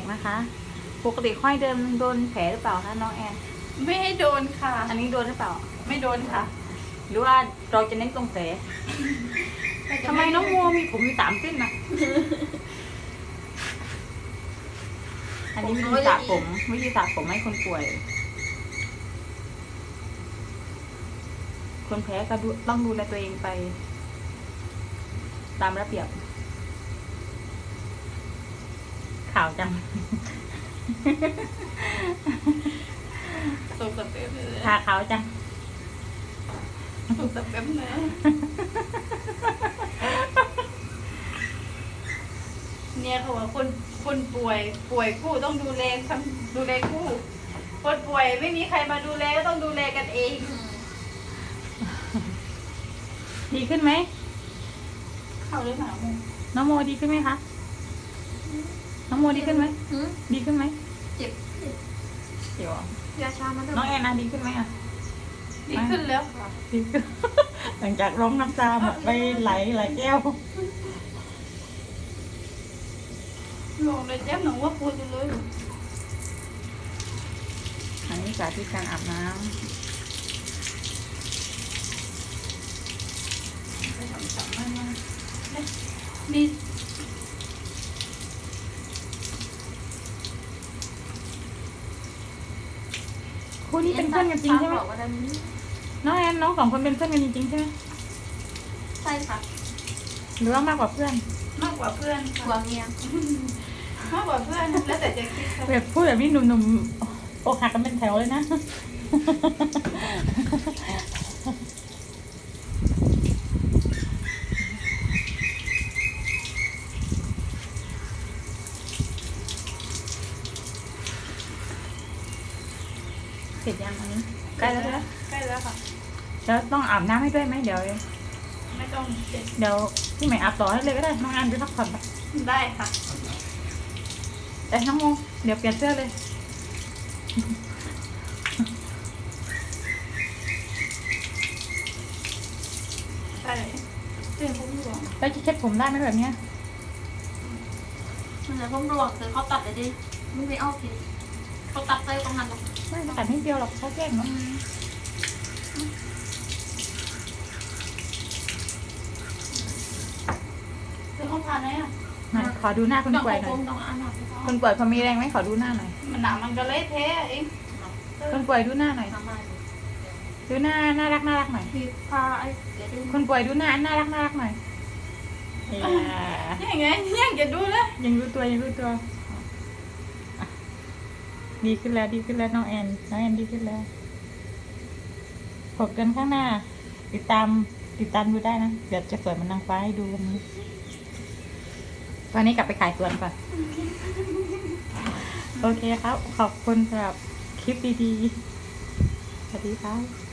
นะคะ ปกติค่อยเดินโดนแผลหรือเปล่าคะน้องแอนไม่ให้โดนค่ะอันนี้โดนหรือเปล่าไม่โดนค่ะหรือว่าเราจะเน้นตรงแผลทำไมน้องโมมีผมมี3 เส้นนะอันนี้วิธีสระผมให้คนป่วย คนแพ้ก็ต้องดูแลตัวเองไป ตามระเบียบข่าวจังสุกสเต็ปเลยขาขาวจังสุกสเต็ปเลยเนี่ยเขาว่าคนป่วยคู่ต้องดูแลคู่ คนป่วยไม่มีใครมาดูแลก็ต้องดูแลกันเองดีขึ้นไหมเข้าหรือเปล่ามึงน้องโมดีขึ้นไหมคะ น้องโมดีขึ้นไหม ดีขึ้นไหมเจ็บเดี๋ยวยาชามาด้วยน้องแอนนาดีขึ้นไหมอ่ะดีขึ้นแล้วค่ะดีขึ้น หลังจากร้องน้ำตาหมดไปหลายแก้วลงเลยเจ็บหนูว่าปวดอยู่เลยอันนี้สาธิตการอาบน้ำไปทำสามมานี่คู่นี้เป็นเพื่อนกันจริงใช่ไหมบอกว่าดันนี้น้องแอนน้อง2 คนเป็นเพื่อนกันจริงๆใช่ไหมใช่ค่ะหรือว่ามากกว่าเพื่อนมากกว่าเพื่อนกว่าเมียมากกว่าเพื่อนแล้วแต่จะคิดค่ะแบบพูดแบบนี้หนุ่มๆอกหักกันเป็นแถวเลยนะ เสร็จยังอันนี้ใกล้แล้วใช่ไหมใกล้แล้วค่ะแล้วต้องอาบน้ำให้ด้วยไหมเดี๋ยวไม่ต้องเจ็บพี่ใหม่อาบต่อให้เลยก็ได้น้องอันไปพักผ่อนไปได้ค่ะแต่น้องโมเดี๋ยวเปลี่ยนเสื้อเลยได้เตือนผมหลวงแล้วจะเช็ดผมได้ไหมแบบเนี้ยมันจะร่มรวงคือเขาตัดเลยดิมึงไปเอาผิดเขาตัดเลยตรงนั้นหรอกไม่ตัดนิดเดียวหรอกเขาแกล้งเนาะเตือนเขาผ่านไหมอ่ะไหนขอดูหน้าคนป่วยหน่อยต้องอ่านหน่อยคนป่วยพอมีแรงไหมขอดูหน้าหน่อยมันหนังมันก็เละเทะเองคนป่วยดูหน้าหน่อยทำมาดูหน้าน่ารักหน่อยคือพาไอ้เดี๋ยวดูคนป่วยดูหน้าน่ารักหน่อยยังไงยังจะดูเลยยังรู้ตัวอ่ะดีขึ้นแล้วน้องแอนดีขึ้นแล้วพบกันข้างหน้า ติดตามดูได้นะเดี๋ยวจะสวยเหมันนางฟ้าให้ดูวันนี้วันนี้กลับไปขายสวนก่อนโอเคครับ ขอบคุณสำหรับคลิปดีๆสวัสดีครับ